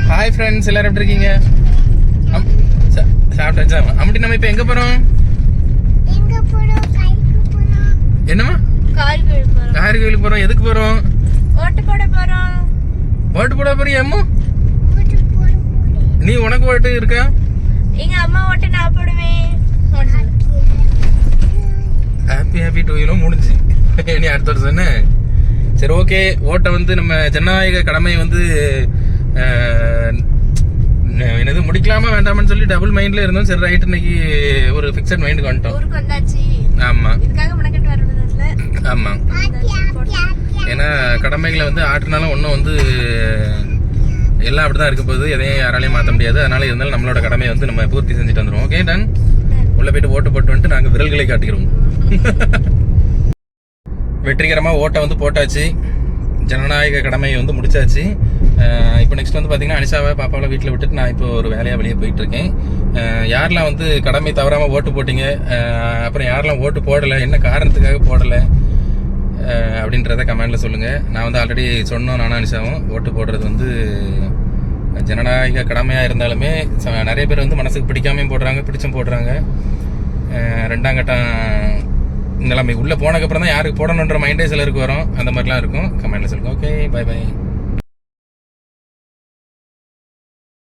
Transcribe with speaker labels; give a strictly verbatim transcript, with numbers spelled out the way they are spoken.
Speaker 1: Hi friends, எல்லாரும் எப்படி இருக்கீங்க? சாப்பிட்டாச்சா? அம்முட்டி, நம்ம இப்போ எங்கே போகிறோம்? என்னம்மா? கார் கோயிலுக்கு போகிறோம். எதுக்கு போகிறோம்?
Speaker 2: ஓட்டு போட போகிறோம்.
Speaker 1: ஓட்டு போட போறியா அம்மா? நீ உனக்கு ஓட்டு இருக்கா?
Speaker 2: எங்க அம்மா ஓட்டு நான் போடுவேன்.
Speaker 1: ஹாப்பி ஹாப்பி டூ வீலும் முடிஞ்சு நீ அடுத்த வருஷம் என்ன? சரி, ஓகே. ஓட்டை வந்து நம்ம ஜனநாயக கடமையை வந்து என்னது முடிக்கலாமா வேண்டாமான்னு சொல்லி டபுள் மைண்ட்ல இருந்தோம். சரி, ரைட், இன்னைக்கு ஒரு ஃபிக்ஸட் மைண்டுக்கு வந்துட்டோம்.
Speaker 2: ஊருக்கு வந்தாச்சு.
Speaker 1: ஆமா,
Speaker 2: இதுக்காக மனக்கட்டு வரதுல.
Speaker 1: ஆமா, ஏன்னா கடமைகளை வந்து ஆற்றுனாலும் ஒன்றும் வந்து எல்லாம் அப்படிதான் இருக்க போகுது. எதையும் யாராலையும் மாற்ற முடியாது. அதனால இருந்தாலும் நம்மளோட கடமையை வந்து நம்ம பூர்த்தி செஞ்சுட்டு வந்துடும். Okay done. உள்ள போயிட்டு ஓட்டு போட்டு வந்துட்டு நாங்கள் விரல்களை காட்டுகிறோம். வெற்றிகரமாக ஓட்டை வந்து போட்டாச்சு. ஜனநாயக கடமையை வந்து முடிச்சாச்சு. இப்போ நெக்ஸ்ட் வந்து பார்த்தீங்கன்னா அனிஷாவை பாப்பாவை வீட்டில் விட்டுட்டு நான் இப்போ ஒரு வேலையாக வெளியே போயிட்டு இருக்கேன். யாரெல்லாம் வந்து கடமை தவறாமல் ஓட்டு போட்டீங்க, அப்புறம் யாரெல்லாம் ஓட்டு போடலை, என்ன காரணத்துக்காக போடலை அப்படின்றத கமெண்ட்ல சொல்லுங்கள். நான் வந்து ஆல்ரெடி சொன்னோம், நானும் அனிஷாவும் ஓட்டு போடுறது வந்து ஜனநாயக கடமையாக இருந்தாலுமே நிறைய பேர் வந்து மனசுக்கு பிடிக்காமையும் போடுறாங்க, பிடிச்சும் போடுறாங்க. ரெண்டாம் கட்டம் நிலைமை உள்ளே போனதுக்கப்புறம் தான் யாருக்கு போடணுன்ற மைண்டே சிலருக்கு வரும். அந்த மாதிரிலாம் இருக்கும். கமெண்ட்ல சொல்லுங்கள். Okay, bye by.